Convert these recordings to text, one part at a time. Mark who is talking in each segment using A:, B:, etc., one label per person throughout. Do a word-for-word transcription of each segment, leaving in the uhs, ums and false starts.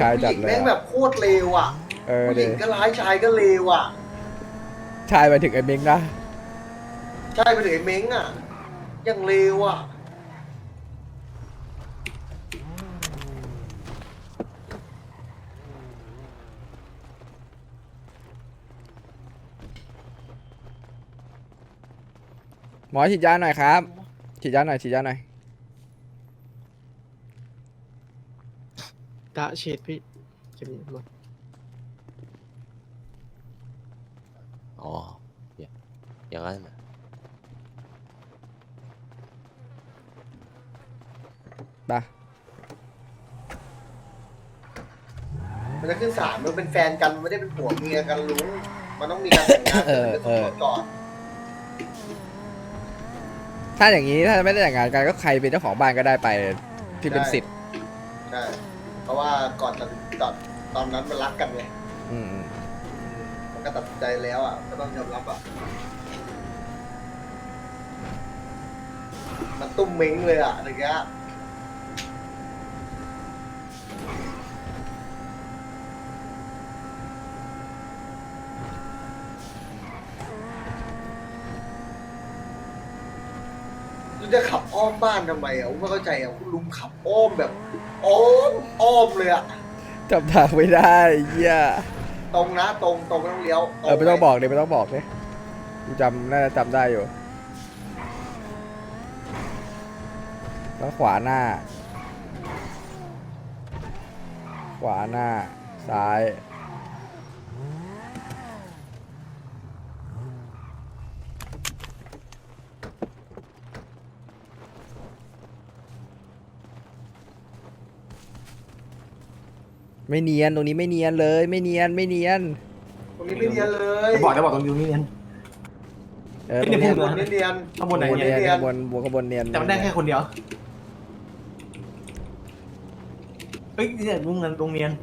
A: ายจัด
B: ผู้หญิง
A: เลย
B: แม่งแบบโคตรเลวอ่ะ
A: เออ
B: ผู้ห
A: ดิ
B: ญิงก็ร้ายชายก็เลวอ่ะ
A: ชายไปถึงไอ้เม้งนะ
B: ใช่ไปถึงไอ้เม้งอ่ะยังเลวอ่ะ
A: หมอฉีดยาหน่อยครับฉีดยาหน่อยฉีดยาหน่อย
C: ตาฉีดพี่จะมีหมด
D: อ๋ออย่างนั้นน่ะ
A: ไป
B: มันจะขึ้นศาลมันเป็นแฟนกันมันไม่ได้เป็นผัวเมียกันลุงมันต้องมีการแต่งงาน
A: เออ
B: เป็น
A: เออ
B: ก่อน
A: ถ้าอย่างนี้ถ้าไม่ได้แต่งงานกันก็ใครเป็นเจ้าของบ้านก็ได้ไปที่เป็นสิทธิ์
B: ใช่เพราะว่าก่อนตอนตอนตอนนั้นมันรักกันไง
A: อืมอืม
B: มันก็ตัดสินใจแล้วอ่ะก็ต้องยอมรับอ่ะมันตุ้มเม้งเลยอ่ะอะไรเงี้ยลุงจะขับอ้อมบ้านทำไมอ่ะผมไม่เข้าใจอ่ะคุณลุงขับอ้อมแบบอ้อมอ้อมเลยอ่ะ
A: จำทางไม่ได้เหี้ย
B: ตรงนะตรงตรงไม่ต้องเลี้ยว
A: เออไม่ต้องบอกเลยไม่ต้องบอกเลยกูจำน่าจะจำได้อยู่แล้วขวาหน้า ขวาหน้า ซ้าย ไม่เนียนตรงนี้ไม่เนียนเลย ไม่เนียนไม่เนียน
B: ตรงนี้ไม่เนียนเลย
C: จะบอกจะบอกตรงนี้นี่เนี่ย
A: เออต
C: ไม่
A: รง
C: ได้
A: นี้
C: พู
B: บ
C: ด
B: นไม่เนียน
C: ข้างบนไหน
A: บน
C: เนี่ย
A: เนียนบนบนขบวนเนียน
C: แต่มันได้แค่คนเดียวเฮ้ยเนี่ยลุงเงินลุงเนียน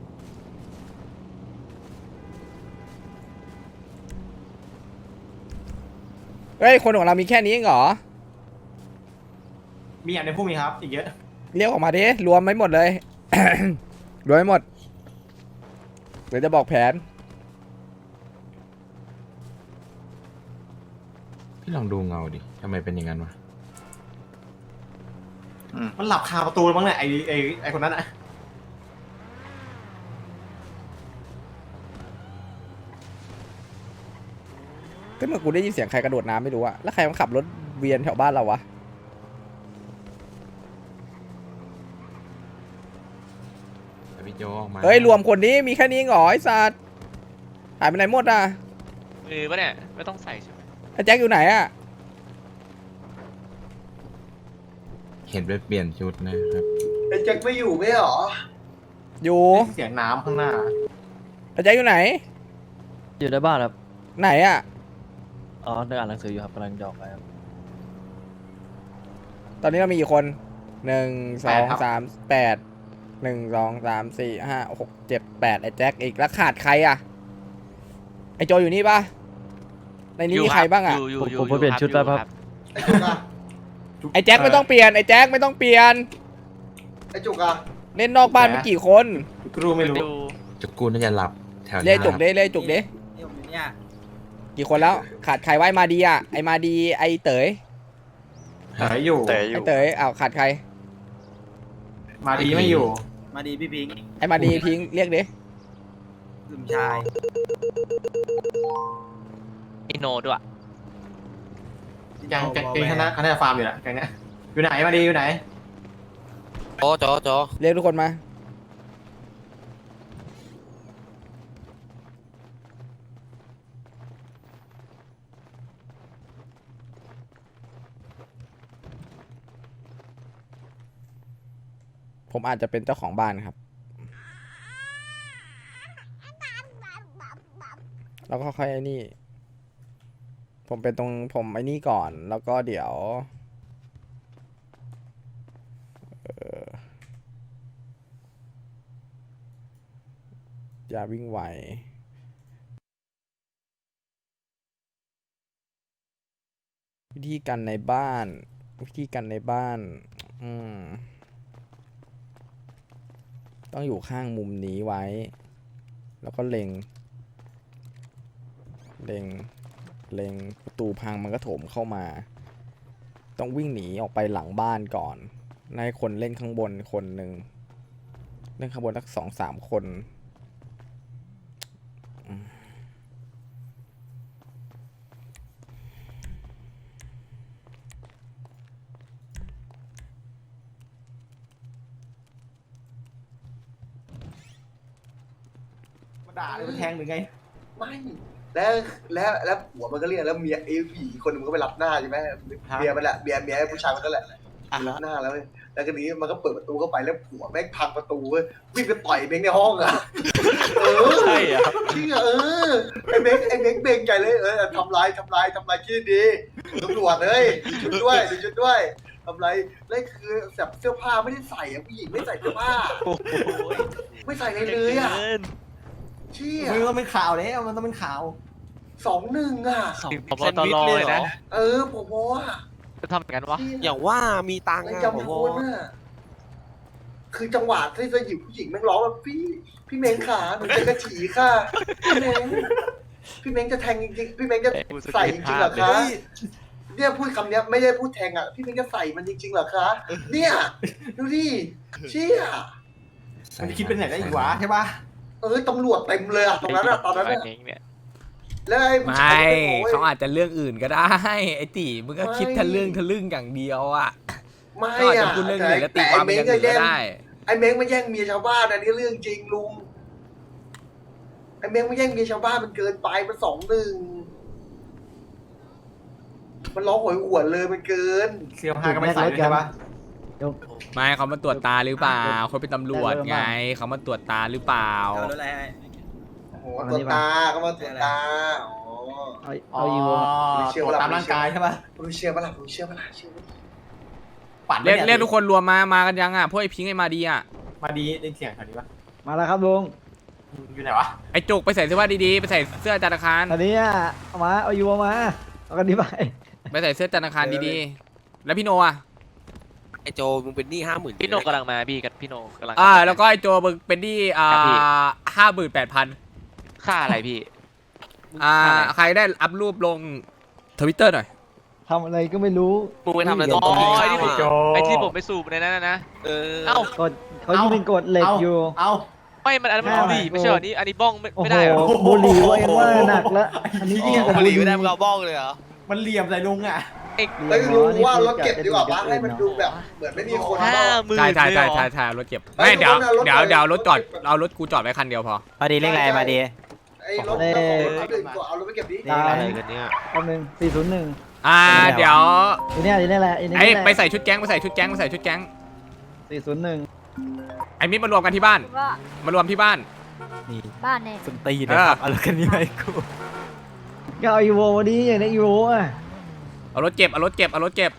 A: เฮ้ยคนของเรามีแค่นี้เองเหรอ
C: มีอย่างในพวกนี้ครับอีกเยอะ
A: เรียกออกมาดิรวมไม่หมดเลย รวมไม่หมดเดี๋ยวจะบอกแผน
E: พี่ลองดูเงาดิทำไมเป็นอย่างนั้นวะ
C: มันหลับคาประตูแล้วมั้งเนี่ยไอไอไอคนนั้นอะ
A: ก็เมื่อกูได้ยินเสียงใครกระโดดน้ำไม่รู้อะแล้วใครมันขับรถเวียนแถวบ้านเราวะ
E: แต่พี่โจออกมา
A: เฮ้ยรวมคนนี้มีแค่นี้เองเหรอไอ้สัตว์หายไปไหนหมดอะ
F: มือปะเนี่ยไม่ต้องใส่ใช่ไหม
A: ไอ้แจ็คอยู่ไหนอะ
E: เห็นไปเปลี่ยนชุดนะครับ
B: ไอ้แจ็คไม่อยู่ไม่หรอ
A: อยู่
C: เสียงน้ำข้างหน้า
A: ไอ้แจ็คอยู่ไหน
G: อยู่ในบ้านครับ
A: ไหนอะ
G: อ๋อเดินอ่านหนังสืออยู่ครับกำลังจะออกไปครับ
A: ตอนนี้เรามีกี่คนหนึ่งสองสามแปดหนึ่งสองสามสี่ห้าหกเจ็ดแปดไอ้แจ็คอีกแล้วขาดใครอะไอ้โจอยู่นี่ปะในนี้มีใครบ้างอะ
F: ยู่ยู่
G: ผม
F: ยู่
G: ผมไปเปลี่ยนชุดแล้วครับ
B: ไอ้จุกอะ
A: ไอ้แจ็คไม่ต้องเปลี่ยนไอ้แจ็คไม่ต้องเปลี่ยน
B: ไอ้จุกอะ
A: เล่นนอกบ้านมีกี่คน
C: กูรู้ไม่รู้
F: ดู
E: จุกกูน่าจะหลับแถว
A: เล่
E: นี้
A: จุกเด้เล่จุกเด้กี่คนแล้ว ขาดใครไว้มาดีอ่ะไอมาดีไอเต๋ย
C: เต๋ออยู่
D: แต่อ
A: ไอยู่ เต๋ยอ้าวขาดใคร
C: มาดีไม่อยู่
H: มาดีพี่พิงค์
A: ไอมาดีพิงค์เรียกดิ
H: ลืมชาย
F: อิโนด้วย
C: ยังแกงคณะคณะฟาร์มอยู่แหละแกงเนี้ยอยู่ไหนมาดีอยู่ไหน
D: จอจอจอ
A: เรียกทุกคนมาผมอาจจะเป็นเจ้าของบ้านครับแล้วก็ค่อยไอ้นี่ ผมเป็นตรงผมไอ้นี่ก่อนแล้วก็เดี๋ยวเอ่อ ยาวิ่งไววิธีกันในบ้านวิธีกันในบ้านอืมต้องอยู่ข้างมุมนี้ไว้ แล้วก็เล็ง เล็ง เล็งประตูพังมันก็โถมเข้ามา ต้องวิ่งหนีออกไปหลังบ้านก่อนให้คนเล่นข้างบนคนหนึ่งเล่นข้างบนสักสองสามคนอืม
C: มาด่าเลยมันแทงหรือไง
B: ไม่แล้วแล้วแล้วผัวมันก็เรียกแล้วเมียไอ้ผีคนหนึงมันก็ไปรับหน้าใช่ไหมเมียมันแหละเมียเมียไอ้ผู้ชายมันก็แหละรับหน้าแล้วเว้ยแล้วก็นี้มันก็เปิดประตูเข้าไปแล้วผัวแม่งพังประตูเว้ยวิ่งไปต่อยเบงในห้องอ่ะเออ
F: ใช่เหรอ
B: จริงอ่ะเออไอ้เบงไอ้เบงเบงใจเลยเออทำลายทำลายทำลายที่ดีตำรวจเลยดูชุดด้วยดูชุดด้วยทำไรแล้วคือแบบเสื้อผ้าไม่ได้ใส่อ่ะผู้หญิงไม่ใส่เสื้อผ้า
F: โอ้โห
B: ไม่ใส่อะไรเลยอ่ะ
F: กิน
B: เชี่ย
C: มันต้องเป็นข่าวแล้วมันต้องเป็นข่าว
B: สองหนึ่งอ่ะ
F: ถึงพบตรเลยนะ
B: เออผมว่า
F: จะทำอย่างนั้นวะ
D: อย่างว่ามีตังค์
B: ไอ้
D: อะ
B: จำ
D: ผ
B: ไม่
D: ม
B: พ้นอ่ะคือจังหวะที่จะหยิบผู้หญิงแม่งร้องแบบพี่พี่เม้งขาหนูจะกระฉีค่ะพี่เม้งพี่เม้งจะแทงจริงๆพี่เม้งจะใส่จริงๆเหรอคะเนี่ยพูดคำเนี้ยไม่ได้พูดแทงอ่ะพี่เม้งจะใส่มันจริงๆเหรอคะเนี่ยดูดิเชี่ย
C: มันคิดเป็นไหนได้อีกวะใช่ปะ
B: เออตำรวจเต็มเลยอ่ะตรงนั้นอ่ะตอนนั้นอ่ะ
F: เองเนี่ย
B: แล้วไอ้ผู้
A: ไม่
B: ชายก็บอกว่า
A: เขาอาจจะเรื่องอื่นก็ได้ ไอ้ตีมึงก็คิดทะลึ่งทะลึ่งอย่างเดียวอ่ะ
B: ไม่
A: ก็อาจจะ
B: อ่ะ
A: พูดเรื่องอื่นแล้วตี
B: แต่
A: ความ
B: ไอ้
A: เป็น
B: เม้
A: อง ย่าง
B: ก็
A: อื่น
B: แย่
A: ก็
B: ง
A: ได้
B: ไอ้เม้งมาแย่งเมียชาวบ้านอันนี้เรื่องจริงลุงไอ้เม้งมาแย่งเมียชาวบ้านมันเกินไปมันสองหนึ่งมันร้องโหยหวนเลยมันเกิน
C: เสื้อผ้าก็ไม่ใส่ด้วยใช่ปะ
A: ไม่เขามาตรวจตาหรือเปล่าเขาเป็นตำรวจไงเขามาตรวจตาหรือเปล่า
H: เอารถอะไรให้
B: โอ้โหตรวจตาก็มาตรวจตาอ๋อ
G: เอา
C: อ๋อ
G: เอาอยู่
C: ตรวจตามร่างกายใช่ปะ
B: รู้เชื่อปะล่ะรู้เชื่อปะล่ะเชื่อปะ
C: ปั่น
A: เรียก
C: ไม่
A: เรียกทุกคนรวมมามากันยังอ่ะพวกไอ้พิงค์ไอ้มาดีอ่ะ
C: มาดีได้เสียงแถวนี้ปะ
G: มาแล้วครับลุง
C: อยู่ไหนวะ
A: ไอ้จุกไปใส่เสื้อผ้าดีๆไปใส่เสื้อธนาคาร
G: ตอนนี้อ่ะเอามาเอาอยู่เอามาเอากันดีไป
A: ไปใส่เสื้อธนาคารดีๆแล้วพี่โนอ่ะ
D: ไอโจมึงเป็นหนี้ห้าหมื่น
F: พี่โนกำลังมาพี่กับพี่โนกำลัง
A: อ่าแล้วก็ไอ้โจมึงเป็นหนี้อ่า
F: ครับพี่
A: ห้าหมื่นแปดพัน
F: ค่าอะไรพี่
A: อ่า
F: ค่อะไร
A: ใครได้อัพรูปลงทวิตเตอร์หน่อย
G: ทำอะไรก็ไม่รู้
D: มึงไปทำอะไร
F: อ๋
D: ต
F: อ
D: รงนี้
F: ไอ้ที่ผม
C: โจ
F: ไอ้ที่ผมไปสูบในนั้นนะนะ
D: เออ
F: เอ้า
G: กดเขายังเป็นกฎเหล็กอยู่
C: เอา
F: ไม่มันอันนั้นมัน
G: ห้า
F: บุหรี่ไม่ใช่เหรอนี่อันนี้บ้องไม่
G: โอ้
F: ไม่
G: โห
F: ได้เหรอ
G: บุหรี่ว่ายังว่าหนักแล้วอันนี้
D: อ๋
G: ยิ่ง
D: อก
G: ว่า
D: บุ
G: บุ
D: ห
G: ห
D: รี่
G: รี่
D: ไม่ได้มึงเอาบ้องเลยเหรอ
C: มันเหลี่ยมใส่ลุงอ่ะ
B: เฮ้ยรู้ว่ารถเก็บดีกว่าปะให้มันดูแบบเหมือนไม่มีคน
F: ห้า
B: เนาะ
F: หมื่น
A: ใช่ใช่
F: เลยเหร
A: ใช่
F: อ
A: ใช่ใช่รถเก็บ
B: เฮ้ย
A: ไม่เดี๋ยว
B: รถน่ะรถ
A: เดี๋ยว
B: รถ
A: เดี๋ยวรถจอด
B: รถ
A: เอารถกูจอดไว้คันเดียวพอ
G: มาดีเลขอะไรมาดี
B: ไอ้รถเจ้าของรถคันอื่นก็เอารถไปเก็บดิ
G: ได้
D: อะไรกันเนี่ย
G: แป๊บนึงสี่ศูนย์หนึ่ง
A: อ่าเดี๋ยว
G: อีเนี่ยอีเนี่ยแหละอีเนี่ย
A: ไอ้
G: แหละ
A: ไปใส่ชุดแก๊งไปใส่ชุดแก๊งไปใส่ชุดแก๊ง
G: สี่ศูนย์หนึ่ง
A: ไอ้มิตรมารวมกันที่บ้าน
I: ว่าม
A: ารวมที่บ้าน
I: บ้านเนี่ย
G: สนตี
A: เออ
G: เอารถคันนี้ไปกูก็เอาอีโววันนี้อย่างนี้อีโวอ่ะ
A: เอารถเก็บเอารถเก็บเอารถเก็บ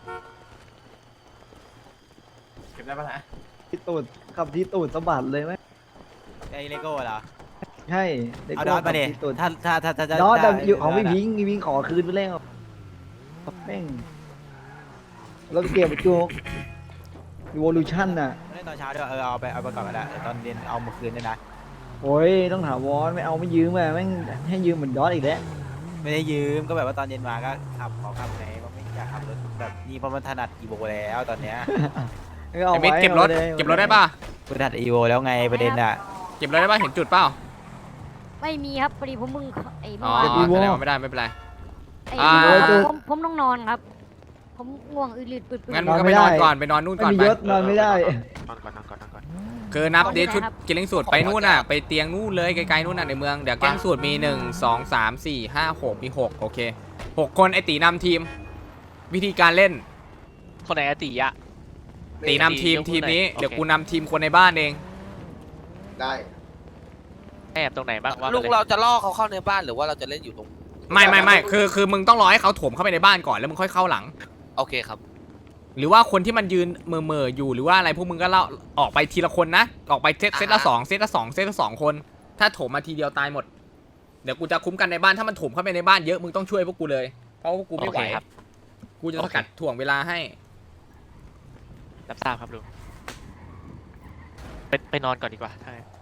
C: เก็บได้ปะนะ
G: ที่ตูดขับที่ตูดสะบัดเลยไหม
H: ไอ้เลโก้เหรอ
G: ใช่เด็ก
H: เอาดอทมาดิ
G: ขับที่ตูด
H: ถ้าถ้าถ้าถ้า
G: ดอทแต่
H: ถ้า
G: อยู่ของพี่
H: ดทะ
G: พิงค์พี่พิงค์ขอคืนไปแล้วแม่งรถเก็บจุกอีโวลูชั่นน่ะ
H: ไม่ได้ตอนเช้าด้วยเออเอาไปเอาไปก่อนก็ได้เดี๋ยวตอนเย็นเอามาคืนด้วยนะ
G: โอ้ยต้องถาวรไม่เอาไม่ยืมอ่ะแม่งให้ยืมเหมือนดอทอีกแล้ว
H: ไม่ได้ยืมก็แบบว่าตอนเย็นมาก็ขับขอขับไหนว่าไม่อยากขับรถแบบนี้เพราะมันถนัดอีโวแล้วตอนเนี้ย
G: ก็เอา
A: ไอ้มิตร
G: ไว้
A: เก็บรถ
G: อาว้
A: เก็บรถได้ป่ะ
H: กูถนัดอีโวแล้วไงประเด็นอ่ะ
A: เก็บรถได้ป่ะเห็นจุดเปล่า
I: ไม่มีครับพอดีผมมึงไอ้
A: อ๋
I: เมื่
A: อ
I: อวาน
A: แสดงว่าไม่ได้ไม่เป็นไร
I: ไอ้
A: อ่า
I: ผมผมต้องนอนครับ ผมง่วงอืดลืดปืดปืด
A: งั้นมึงก็ไปนอนก่อนไปนอนนู่น
G: ไม่
A: ก่อน
G: มี
A: ไป
G: ยศนอนไม่ได้
D: นอนก่อนนอนก่อนนอนก่อน
A: คือนับเดชุดกินเล้งสูตรไปนู่นน่ะไปเตียงนู่นเลยไกลๆนู่นน่ะในเมืองเดี๋ยวแก๊งสูตรมีหนึ่งสองสามสี่ห้าหกมีหกโอเคหกคนไอตีนำทีม วิธีการเล่น
F: คนไหนอะติอะ
A: ตีนำทีม
F: ยกมือ
A: ทีมนี้
F: หน่อย
A: เดี๋ยว
F: โอเค
A: กูนำทีมคนในบ้านเอง
B: ได้
F: แอบตรงไหนบ้างว่า
D: ลุงเราจะล่อเขาเข้าในบ้านหรือว่าเราจะเล่นอยู่ตรง
A: ไม่ไม่ไม่คือคือมึงต้องรอให้เขาโถมเข้าไปในบ้านก่อนแล้วมึงค่อยเข้าหลัง
D: โอเคครับ
A: หรือว่าคนที่มันยืนเมื่อๆอยู่หรือว่าอะไรพวกมึงก็เล่าออกไปทีละคนนะออกไปเซตเซตละสองเซตละสองเซตละสองคน ถ้าโถมมาทีเดียวตายหมดเดี๋ยวกูจะคุ้มกันในบ้านถ้ามันโถมเข้าไปในบ้านเยอะมึงต้องช่วยพวกกูเลยเพราะพวกกูไม่ไหว
F: โอเคครับ
A: กูจะสกัดถ่วงเวลาให้
F: รับทราบครับลุงไปไปนอนก่อนดีกว่าถ้างั้น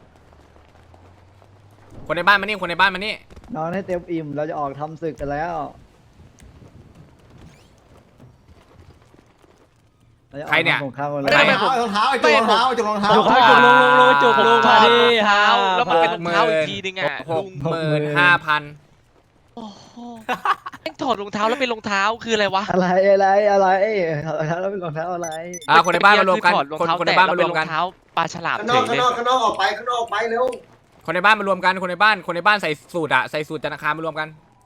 A: คนในบ้านมานี่คนในบ้านมานี่
G: นอนให้เต็มอิ่มเราจะออกทำศึกกันแล้วราจะออก
A: ใครเนี่ย
G: ทำสงครามกัน
C: ไม่
G: แล้
C: ได้
G: ว
C: รองเท้ารองเท้าไอ้จุกรองเท้าจุกรองเท้า
H: จุกครับจุกลงลงลงจุกลงมาดิ
F: รองเท้าแล้วมันเป็นรองเท้าอีก
A: หก
F: ทีนึงอ่ะ
A: ห
F: ลุ
A: ก
F: ง
A: หมื่นห้าพัน
F: โอ้โหแม่งถอดรองเท้าแล้วเป็นรองเท้าคืออะไรวะ
G: อะไรอะไรอะไรรองเท้าแล้วเป็นรองเท้าอะไร
A: อ่าคนในบ้านมารวมกัน
F: ถอดรอง
A: คน
F: เท้า
A: คนในบ้านมารวมกัน
F: แตะแล้เป็นรองเท้าปลาฉลาม
B: ข้าง
F: เฉ
B: นอก
F: ย
B: ข้าง
F: เลย
B: นอกข้างนอกออกไปข้างนอกออกไปเร็ว
A: คนในบ้านมารวมกันคนในบ้านคนในบ้านใส่สูตรอะใส่สูตรธนาคารมารวมกัน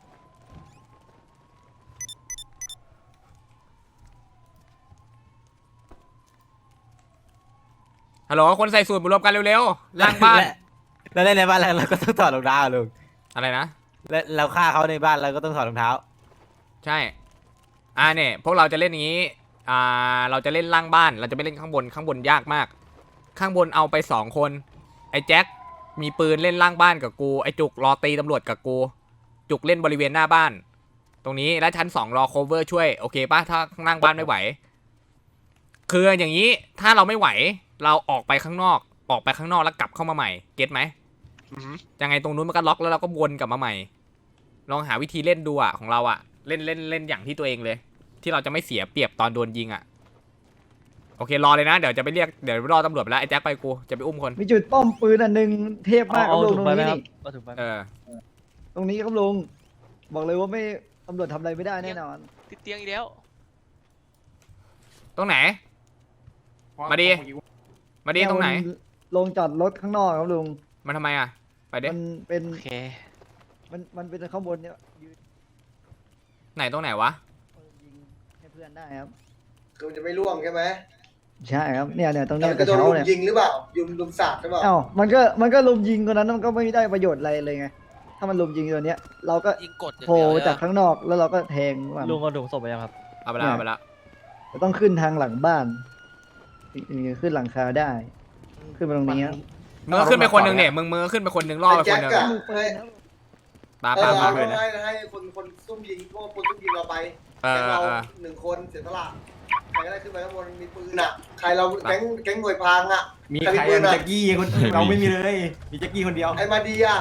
A: ฮัลโหลคนใส่สูตรมารวมกันเร็วๆล่างบ้าน
H: แล้วเล่นในบ้านเราก็ต้องถอดรองเท้าลุง
A: อะไรนะ
H: แล้วเราฆ่าเขาในบ้านเราก็ต้องถอดรองเท้า
A: ใช่ อ่าเนี่ยพวกเราจะเล่นอย่างนี้ อ่า เราจะเล่นล่างบ้าน เราจะไม่เล่นข้างบน ข้างบนยากมาก ข้างบนเอาไปสองคน ไอ้แจ็ค มีปืนเล่นล่างบ้านกับกู ไอ้จุกรอตีตำรวจกับกู จุกเล่นบริเวณหน้าบ้าน ตรงนี้ แล้วชั้นสองรอโคเวอร์ช่วย โอเคป่ะ ถ้าข้างล่างบ้านไม่ไหว คืออย่างนี้ ถ้าเราไม่ไหว เราออกไปข้างนอก ออกไปข้างนอกแล้วกลับเข้ามาใหม่ เก็ตไหม
F: อือหือ
A: ยังไงตรงนู้นมันก็ล็อกแล้วเราก็วนกลับมาใหม่ ลองหาวิธีเล่นดูอ่ะของเราอ่ะ เล่นเล่นเล่นอย่างที่ตัวเองเลย ที่เราจะไม่เสียเปรียบตอนโดนยิงอ่ะ โอเครอเลยนะ เดี๋ยวจะไปเรียกเดี๋ยวรอตำรวจไปแล้วไอ้แจ็คไปกูจะไปอุ้มคน
G: มีจุดป้อมปืนอันหนึ่งเทพมากครับลุงตรงนี้นี่
A: เออ
G: ตรงนี้ครับลุงบอกเลยว่าไม่ตำรวจทำอะไรไม่ได้แน่นอน
F: ติดเตียงอีกแล้ว
A: ตรงไหน มาดิ มาดีตรงไหน
G: ลงจอดรถข้างนอกครับลุง
A: มันทำไมอ่ะ ไปเด้
G: มันเป็น
F: โอเค
G: มันมันเป็นข้างบนเนี่ยยืน
A: ไหนตรงไหนวะ
G: ยิงให้เพื่อนได้ครับ
B: คือมันจะไม่ล่วงใช่ไหม
G: ใช่ครับเนี่ยเนี่ยตรง
B: แต่
G: เนี้ย
B: มัน
G: ก
B: ก็
G: ระ
B: โดน
G: เช้า
B: ลุม
G: เนี่ย
B: ยิงหรือเปล่ายุมลุมสาดหรือเปล่า
G: เอ้ามันก็มันก็ลุมยิงคนนั้นมันก็ไม่ได้ประโยชน์อะไรเลยไงถ้ามันลุมยิงตัวเนี้ย เราก็
D: ยิงกดอย่าง
G: โผล่
D: เดียวเลย
G: จาก
D: อะ
G: ข้างนอกแล้วเราก็แทงมัน
H: ลุงเอาถุงศพไปยังครับ
A: เอาไปแล้วเอาไปแล้ว
G: จะต้องขึ้นทางหลังบ้านถึงจะขึ้นหลังคาได้ ขึ้นมาตรงนี้ครับ
A: มึงก็ขึ้นไปคนหนึ่งเนี่ยมึงมึงก็ขึ้นไปคนหนึ่งล่อไป
B: ไอ้
A: ค
B: แจ็
A: น
B: ค
A: หนึ่ง
B: อะ
G: มือปืนครับ
A: ปา
B: เอ
A: ปา
B: อ
A: ปา
B: เอาให้ให้คนคนซุ่มยิงพวกคนซุ่มยิงเราไป
A: เออ
B: แก๊งเรา
A: เออ
B: หนึ่งคนเสียสละใครก็ได้ขึ้นไปข้างบนมีปืนอ่ะ ใครเราแก๊งแก๊งหน่วยพรางอ่ะ
C: มีใครอะมีแจ็คกี้คนเราไม่มีเลยมีแจ็คกี้คนเดียว
B: ไอ้มาดีอ่ะ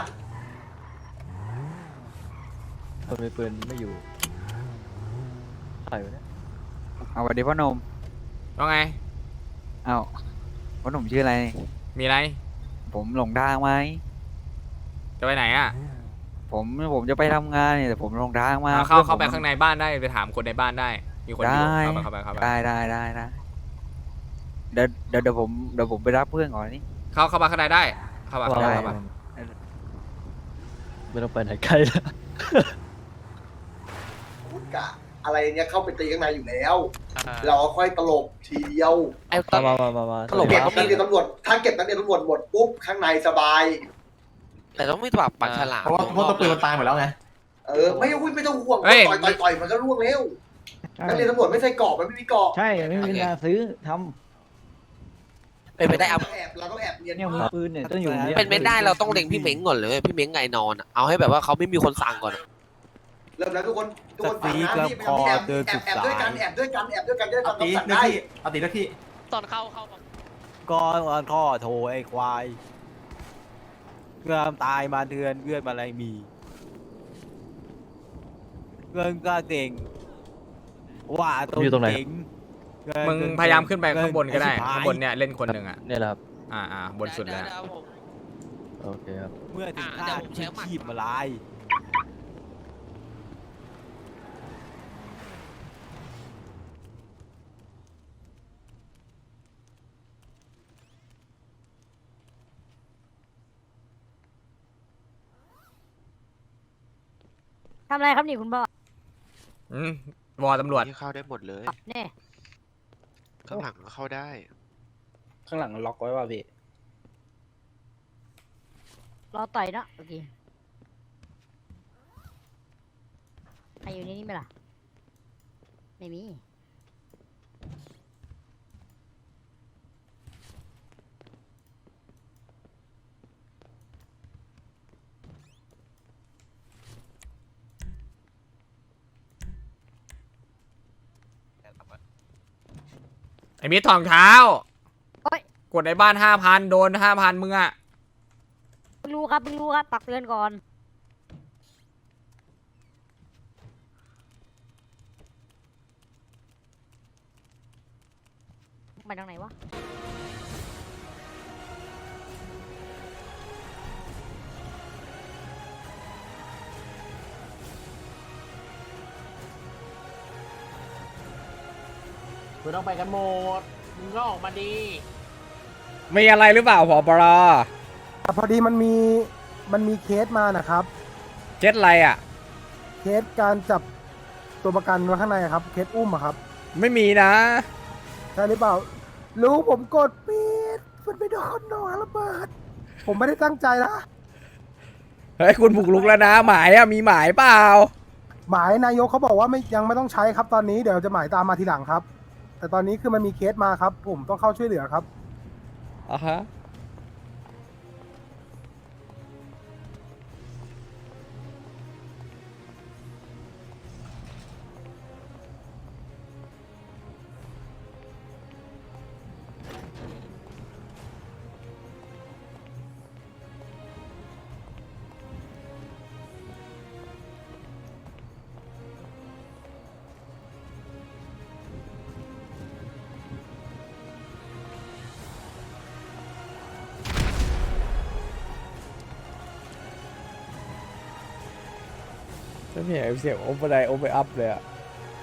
H: คนมีปืนไม่อยู่ใครวะเนี่ย
J: เอาสวัสดีพ่อหนุ่ม
A: ว่าไง
J: เอาพ่อหนุ่มชื่ออะไร
A: มีอะไร
J: ผมหลงทางไหม
A: จะไปไหนอ่ะ
J: ผมผมจะไปทำงานเนี่ยแต่ผมหลงทางมา
A: เอาเข้า
J: พื่อน
A: เข้าไป
J: ผม
A: ข้างในบ้านได้ไปถามคนในบ้านได้ มีคนอยู่
J: ได้
A: เข้าไปเข้าไปเข้าไป
J: ได้ได้ได้ได้เดี๋ยวเดี๋ยวเดี๋ยวผมเดี๋ยวผมไปรับเพื่อนก่อนนี่
A: เข้าเข้ามาข้างในได้ เข้ามาเข้ามา
J: ได้
A: เข้ามา
H: ไม่ต้องไปไหนไกลแล้ว
B: พูดกะอะไรเนี้ยเข้าไปตีข้างในอยู่แล้ว
F: อ่า
B: เราค่อยตลบทีเดียว
D: ไอ้ตอน
H: มามามามา
D: ตลก
B: เก็บ
D: ครับ
B: นักเรียนตำรวจถ้าเก็บนักเรียนตำรวจหมดปุ๊บข้างในสบาย
D: แต่ต้องไม่ปรับปากฉลาม
C: เพราะว่าพวกตัวปืนมันตายหมดแล้วไง
B: เออไม่อุ้ยไม่ต้องห่วง
A: เฮ้ย
B: ต่อยต่อยต่อยมันก็ร่วงเร็ว
G: ใช่
B: นักเรียนตำรวจไม่ใส่กรอบมันไม่มีกรอบ
G: ใช่ไม่มีการซื้อท
D: เป็นไปได้เอา
B: เราต้องแอบเราต้องแอบเรียน
G: ำเนี่ยมือปืนเนี่ยต้องอยู่ย
D: เป็นไปได้เราต้องเล็งพี่เม้งก่อนเลย พี่เม้งไงนอนอะเอาให้แบบว่าเขาไม่มีคนสั่งก่อนอะ
B: เริ่มแล้วทุกคนทุกคนฟังนะนี่แอบแอบแอบด้วยกันแอบด้วยกันแอบด้วยกันจะได้
C: เอา
B: ทำ
C: ตี
B: คำสั่ง
C: เลือก
B: ได้
C: ที่เอาตีเลือกที่
F: ตอนเข้าเข้า
H: ก้อนก้อนข้อโถไอ้ควายเงื่อมตายมาเทือนเงื่อนมาอะไรมีเงื่อนก็เก่งว่าตัวเก่ง
A: มึงพยายามขึ้นไปข้างบนก็ได้ ข้างบนเนี่ยเล่นคนหนึ่งอ่ะ
H: เนี่ยแหละครับ
A: อ่าอ่าบนสุดแล้ว
H: โอเคครับ เมื่อถึง
D: อ่ะ
H: ข้า
D: เดี๋ยวผมใช้หมัด
H: ขีบมาลาย
I: ทำอะไรครับนี่คุณพ่อ
A: อืมวอตำรวจ
K: ที่เข้าได้หมดเลย
I: เนี่ย
K: ข้างหลังก็เข้าได้
H: ข้างหลังล็อกไว้ป่ะพี่
I: รอต่อยเนาะโอเคใครอยู่ในนี้ไหมล่ะ ไม่มี
A: ไอ้มิตรทองเท้า
I: โอ๊ย
A: กดในบ้านห้าพันโดนห้าพันมึงอะ
I: เพิ่งรู้ครับเพิ่งรู้ครับตักเตือนก่อนไปทางไหนวะ
C: ไม่ต้องไปกันหมดมึงก็ออกมาดี
A: มีอะไรหรือเปล่าผอปร
G: พอดีมันมีมันมีเคสมานะครับ
A: เจ็ดอะไรอะ
G: เคสการจับตัวประกันไว้ข้างในครับ เคสอุ้มอะครับ
A: ไม่มีนะ
G: ใช่หรือเปล่ารู้ผมกดปิดมันไปโดนหนอนระเบิด ผมไม่ได้ตั้งใจนะ
A: เฮ้ยคุณบุกลุกแล้วนะ หมายอะมีหมายเปล่า
G: หมายนายกเขาบอกว่าไม่ยังไม่ต้องใช้ครับตอนนี้เดี๋ยวจะหมายตามมาทีหลังครับ แต่ตอนนี้คือมันมีเคสมาครับ ผมต้องเข้าช่วยเหลือครับ
A: อ่ะฮะ ฉันเห็นเสียงโอเวอร์ไดโอเวอร์อัพเลยอะ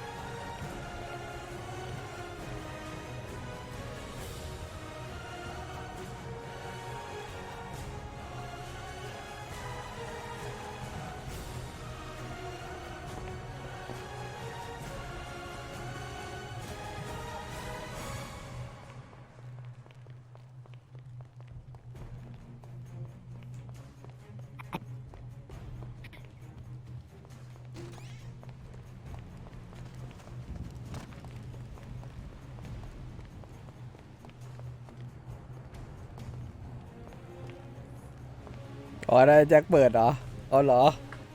A: อ๋อได้แจ็คเปิดเหรออ๋อเหรอ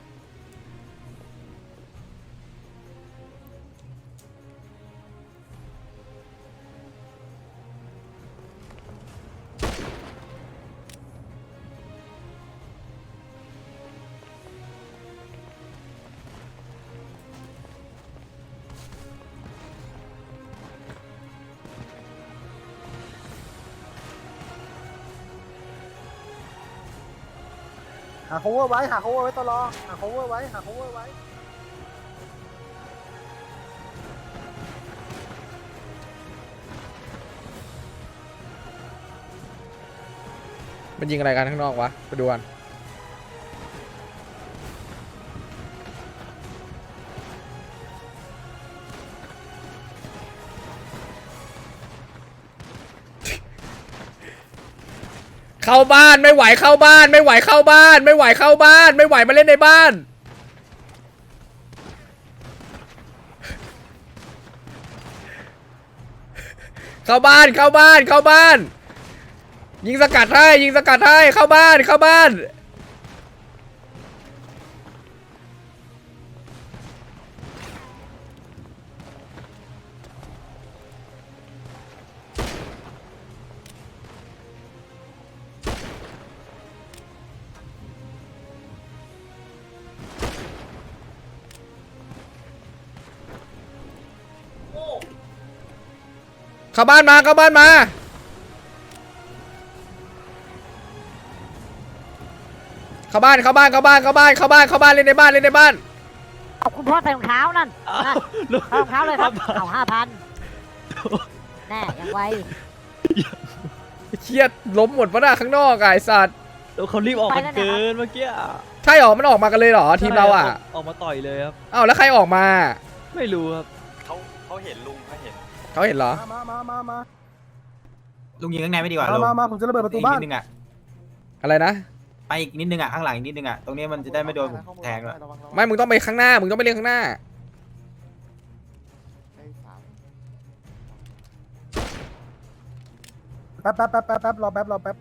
G: หา cover ไว้หา cover ไว้ตลอดหา cover ไว้หา cover ไว้
A: มันยิงอะไรกันข้างนอกวะ ไปดูกันเข้าบ้านไม่ไหวเข้าบ้านไม่ไหวเข้าบ้าน ไม่ไหวเข้าบ้าน ไม่ไหวมาเล่นในบ้าน เข้าบ้านเข้าบ้านเข้าบ้าน ยิงสกัดให้ยิงสกัดให้เข้าบ้านเข้าบ้านเข้าบ้านมาเข้าบ้านมาเข้าบ้านเข้าบ้านเข้าบ้านเข้าบ้านเข้าบ้านเข้าบ้านเล่นในบ้านเล่นในบ้าน
I: เอาคุณพ่อใส่รองเท้านั่นนั่นใส่รองเท้าเลยครับเอาห้าพันแน่ยังไว
A: เครียดล้มหมดปะหน้าข้างนอกอะไอ้สัตว์
J: แล้วเขารีบออกกันเกินเมื่อกี้
A: ใช่หรอมันออกมากันเลยเหรอทีมเราอ่ะ
J: ออกมาต่อยเลยครับ
A: อ้าวแล้วใครออกมา
J: ไม่รู้ครับ
H: เขาเขาเห็นลุงเขาเห็น
A: เขาเห็นเหรอ
G: มามามามา
C: ลุงยิงข้างในไม่ดีกว่า
G: มา
C: ลุง
G: มามาผมจะระเบิดประตูบ้าน
C: อีกนิดนึงอ่ะ
A: อะไรนะ
C: ไปอีกนิดนึงอ่ะข้างหลังอีกนิดนึงอ่ะตรงนี้มันจะได้ไม่โดนผมแทงด้วย
A: ไม่มึงต้องไปข้างหน้ามึงต้องไปเล่นข้างหน้า
G: แป๊บแป๊บแป๊บแป๊บแป๊บรอแป๊บรอแป๊บ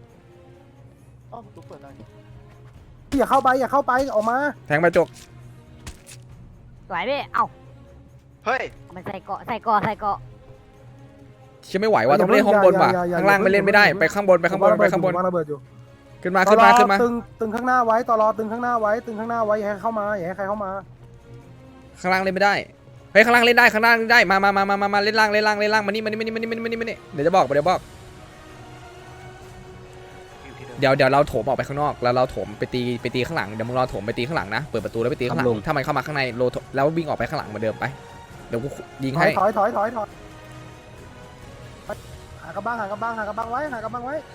G: อย่าเข้าไปอย่าเข้าไปออกมา
A: แทงไปจก
I: สวยพี่เอ้า
K: เฮ้ย
I: มันใส่เกาะใส่เกาะใส่เกาะ
A: เชื่อไม่ไหวว่ะต้องเล่นห้องบนว่ะข้างล่างไม่เล่นไม่ได้ไปข้างบนไปข้างบนไปข้างบน
G: วางระเบิดอยู่
A: ขึ้นมาขึ้นมาขึ้นมา
G: ตึงตึงข้างหน้าไว้ตลอตึงข้างหน้าไว้ตึงข้างหน้าไว้อย่าให้เข้ามาอย่าให้ใครเข้ามา
A: ข้างล่างเล่นไม่ได้เฮ้ยข้างล่างเล่นได้ข้างล่างเล่นได้มามามามามามาเล่นล่างเล่นล่างเล่นล่างมานี่มานี่มานี่มานี่มานี่มานี่เดี๋ยวจะบอกเดี๋ยวบอกเดี๋ยวเดี๋ยวเราโถมออกไปข้างนอกแล้วเราโถมไปตีไปตีข้างหลังเดี๋ยวมึงรอโถมไปตีข้างหลังนะเปิดประตูแล้วไปตีข้างหลังถ้ามันเข้ามาข้างในโลแล้ววิ่งออกไปข้างหลังเหมือนเดิมไปเดี๋ยวกูยิง
G: ถอ
A: ให้
G: ยถอยถอยถอยถอยหากระบังหากระบังหากระบังไว้หากระบังไว้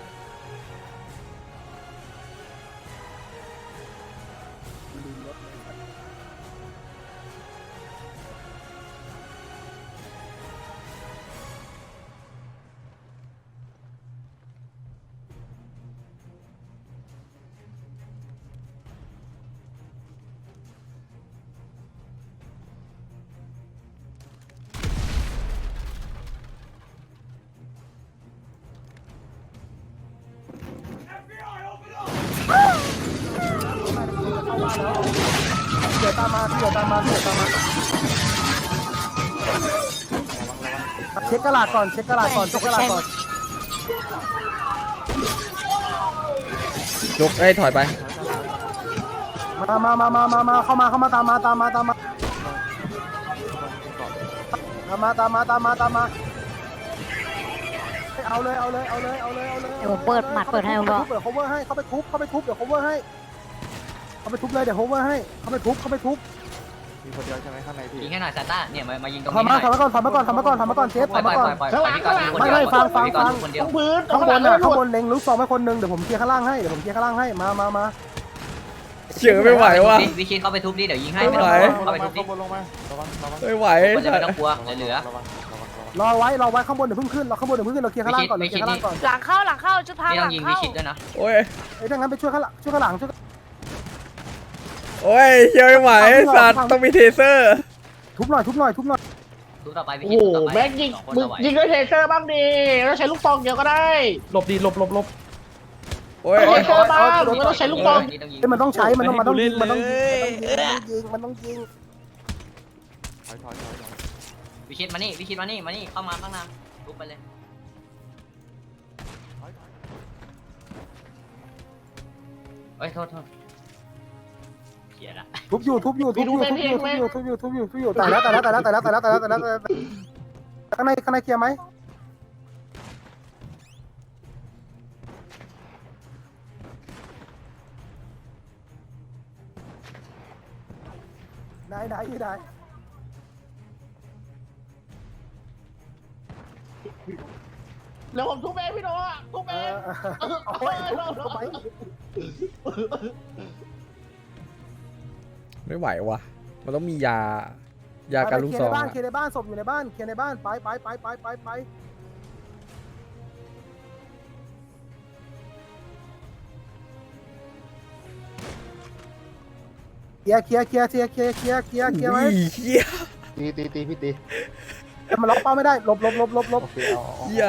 G: เดี๋ยวตามมาเดี๋ยวตามมาเดี๋ยวตามมาเช็คกระดาษก่อนเช็คกระดาษก่อนเช็คกระดาษก่อน
A: ลุกเอ้ยถอยไป
G: มามามามามามาเข้ามาเข้ามาตามมาตามมาตามมาตามมาตามมาตามมาตามมาเอาเลยเอาเลยเอาเลยเอาเลยเอาเลย
I: เดี๋ยวผมเปิดหมัดเปิดให้ผมบอก
G: เปิด cover ให้เข้าไปทุบเข้าไปทุบเดี๋ยว cover ให้เข้าไปทุบเลยเดี๋ยว cover ให้เข้าไปทุบเข้าไปทุบ
H: มีคนเดียวใช่ไหมข้างในพี่
F: ยิงให้หน่อยซาต้าเนี่ยมามายิงตรง
G: ทำ
F: นี้
G: มาทำมาก่อนทำมาก่อนทำมาก่อนทำมาก่อนเชฟ
F: ปล่อย
G: ทำ
F: ปล่
G: มา
F: อย
G: ก่อน
F: ปล่อยปล่อยพี่ก่อนคน
G: ไม่
F: เดียว
G: ไม่ฟังฟัง
F: พี่ก่อ
G: ฟั
F: น
G: ง
F: คนเดียว
G: ข้างบนน่ะข้างบนเล็งลูกซองไว้คนหนึ่งเดี๋ยวผมเคลียร์ข้างล่างให้เดี๋ยวผมเคลียร์ข้างล่างให้มามามา
A: เชื่อไม่ไหวว่ะ
F: วิชิตเข้าไปทุบดิเดี๋ยวยิงให้
A: ไม่ไหว
F: เข้าไปทุบดิ
H: ลงมาระวังระวัง
A: ไม่ไหว
F: คนจะไม่ต้องกลัวเหลือ
H: ระวังระวัง
G: รอไว้รอไว้ข้างบนเดี๋ยวเพิ่งขึ้นเราข้างบนเดี๋ยวเพิ่งขึ้นเราเคลียร์ข้างล่างก่อนเราเคลียร์ข้างล่างก่อน
I: หลังเข้าหลังเข้าชุดพราง
F: นี่
I: ห
F: ต้อ
I: ลั
F: ง
I: ง
F: ยิงวิ
I: เข้า
F: ชิตด้วยนะ
A: โอ้ย
G: ไอ้ดังนั้นไปช่วยข้างหลังช่วยข้างหลังช่วย
A: โอ้ยเชื่อไม่ไหวสัตว์ต้องมีเทเซอร์
G: ทุบหน่อยทุบหน่อยทุบหน่อย
F: ทุบต่อไปวิชิตต่อไปแม็กยิงมึงยิงด้วย
G: หลบดีหลบหลบหลบ
A: โอ้ย
F: เซอร์บ้างไม่ต้องใช้ลูกบอล
G: มันต้องใช้มันต้องมันต้องยิงมันต้องยิงมันต้องยิง
H: ถอยถอยถอยถอย
F: วิชิตมานี่วิชิตมานี่มานี่เข้ามาข้างหน้าทุบไปเลยเฮ้ยโทษโทษเขียนละ
G: ทุบอยู่ทุบอยู่ทุบอยู่ทุบอยู่ทุบอยู่ทุบอยู่ทุบอยู่ทุบอยู่แต่แล้วแต่แล้วแต่แล้วแต่แล้วแต่แล้วแต่แล้วแต่แล้วข้างในข้างในเคลียร์ไหมได้ได้ได้
F: แล้วผมทุบเองพี่โน้ะทุบเอง
G: เอาไปเอาไป
A: ไม่ไหวว่ะมันต้องมียา ยาการลูกซอง
G: เคลียร์ในบ้านเคลียร์ในบ้านศพอยู่ในบ้านเคลียร์ในบ้านไปไปไปไปไปไปเคลียร์เคลียร์เคลียร์เคลียร์เคลียร์เคลียร์เคลียร์เคลียร์ไหม
A: เฮีย
H: ตีตีตีพี่ตี
G: มันล็อกเป้าไม่ได้หลบหลบหลบหลบหลบ
H: โอเคเอา
A: เฮีย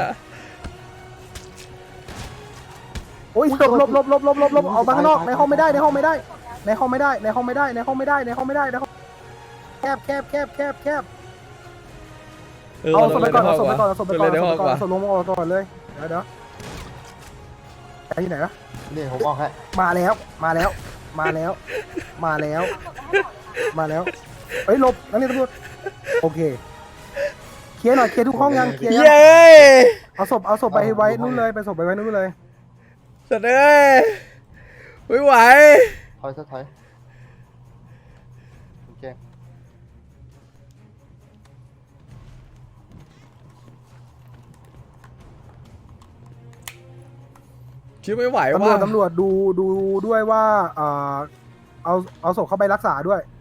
G: โอ้ยหลบหลบหลบหลบหลบหลบหลบออกมาข้างนอกในห้องไม่ได้ในห้องไม่ได้ในห้องไม่ได้ในห้องไม่ได้ในห้องไม่ได้ในห้องไม่ได้ในห้องแคบแคบแคบแคบแคบ
A: เออ
G: เอา
A: เรา
G: ศพไป
A: เลย
G: ก่อน
A: ได้
G: เอาศพไปก่อนเอาศพไปก่อน
A: เลยได้
G: เอาศพไปก่อน
A: กว่า
G: เอาศพลงออกก่อนเลยเดี๋ยวเดี๋ยวไปที่ไหนวะ
H: นี่ผมออกให้
G: มาแล้วมาแล้วมาแล้วมาแล้วมาแล้วเฮ้ยหลบนั่นนี่ตำรวจโอเคเคลียร์หน่อยเคลียร์ทุกห้องยังเคลียร์ยัง
A: เย้
G: เอาศพเอาศพไปไว้นู่นเลยไปศพไปไว้นู่นเลย
A: สัตว์เอ้ยไม่ไหว
H: ถอยซะถอยโอเค
A: ชื่อไม่ไหว
G: ตำรว
A: ว่ะ
G: จตำรวจดูดูด้วยว่าเอ่อเอาเอาศพเข้าไปรักษาด้วย